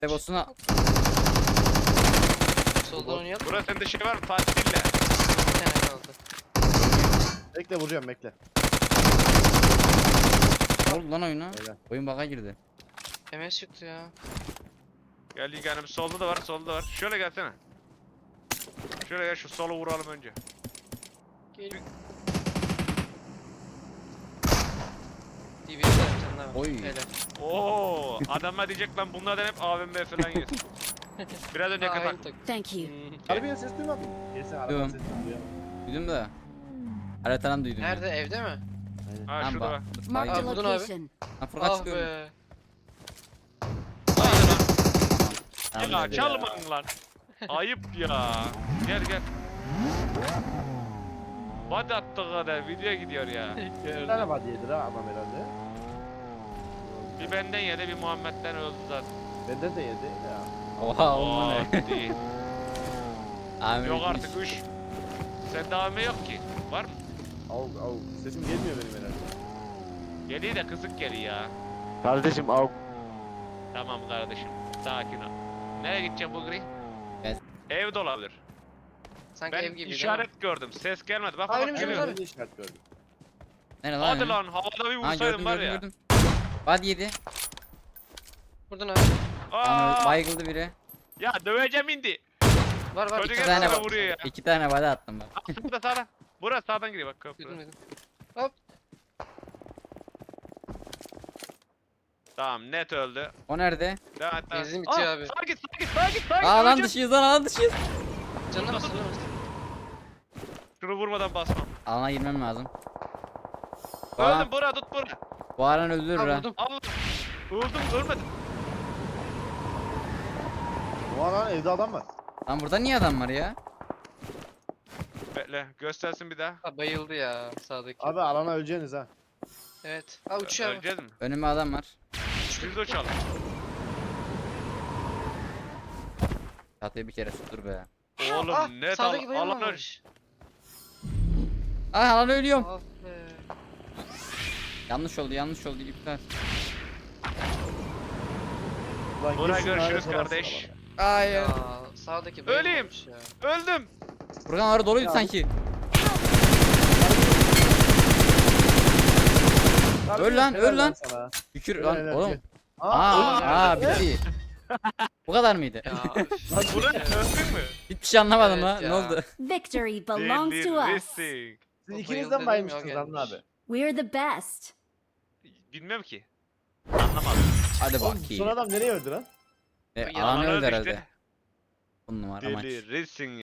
Devosuna Soldan oynayalım. Burası sende şey var mı? Fatih dinle. Bir tane kaldı. Bekle vuracağım bekle. ne oldu lan oyuna? Öyle. Oyun bug'a girdi. MS çıktı ya. Gel Yiğenim, solda da var, solda da var. Şöyle gelsene. Şöyle gel, şu solu vuralım önce. Gel. DB'ye de bir tane daha var. Oy. Hele. Oo, adamlar diyecek lan bunlardan hep AVM falan yesin. Biraz önce kapat. Aynı tak. Thank you. Harbiye ses duymadın. Neyse arabanın Duyuyorum. sesini duyalım. Duydum da. Haritadan duydum. Nerede? Evde mi? Ha Lan şurada bak. var. Marked a Aa, buldun abi. location. Lan Furkan Ah çıkıyorum. be. Tamam, Ya hadi. çalmayın lan. Ayıp ya. Gel gel. Hadi attığı kadar video gidiyor ya. Bir tane var diyedir ha adam herhalde. Bir benden yedi, bir Muhammed'den öldü zaten. Benden de yedi ya. Oha Oo, olma ne? değil. Ahmet Yok gitmiş. artık 3. Sende AVM yok ki. Var mı? Au. Sesim gelmiyor benim herhalde. Geliyor da kısık geliyor ya. Kardeşim au. Tamam kardeşim. Sakin ol. Nereye gideceğim bu gri? Ben- Ev de olabilir. Sanki Ben ev gibi işaret gördüm. Ses gelmedi. Bak Aa, bak önümüzde geliyor. abi. Ne işaret gördüm. Nerede lan? Hadi ya? lan havada bir Ha vursaydım gördüm var gördüm ya. gördüm. Hadi yedi. Buradan abi. Tamam Aa, bayıldı biri. ya döveceğim indi. Var var. Çocuk bir İki hep tane sana var. vuruyor ya. İki tane body attım bak. Aa, sağda sağda. Burası sağdan giriyor bak köprü. Duydum duydum. Tamam net öldü. O nerede? Devam et. devam. Benzin bitiyor Aa, abi. Sağa git sağa git sağa git sağa git. Aa lan öleceğim. dışıyız lan alan dışıyız. Canına bas canına bas. Şunu vurmadan basmam. Alana girmem lazım. Bu alan, Öldüm bura tut bura. bu alan öldürür Ha ha. vurdum. Allah. Öldüm ölmedim. Bu lan evde adam var. Lan burada niye adam var ya? Bekle göstersin bir daha. Ha bayıldı ya sağdaki. Abi alana öleceğiniz ha. Evet. Ha uçuyor abi. Öleceğiz mi? Önüme adam var. Biz de uçalım. Çatıyı bir kere tuttur be. Oğlum Ah, net sağdaki alan öl. bayılmamış. Ah alan ölüyorum. Ah be. Yanlış oldu iptal. Ulan Buna gir şunları görüşürüz sorarsın kardeş. alana. Hayır. Ya sağdaki Öleyim. bayılmamış ya. Öldüm. Furkan orada doluydu Ya. sanki. Harbiye Öl lan, helal öl lan. sana. Şükür Helal, lan helal, oğlum. gel. Aa bitti. Bu kadar mıydı? Ya. Buna öldün mü? Hiçbir şey anlamadım Evet ha. ya. Ne oldu? Victory belongs to us. Delirsin. Siz O ikiniz bayıldı de mi dedim baymıştınız ya, Anıl abi? gelmiş. We're the best. Bilmem ki. Anlamadım. Hadi Oğlum son bakayım. adam nereye öldü lan? Alan öldü Öldü herhalde. işte. 10 numara maç. Delirsin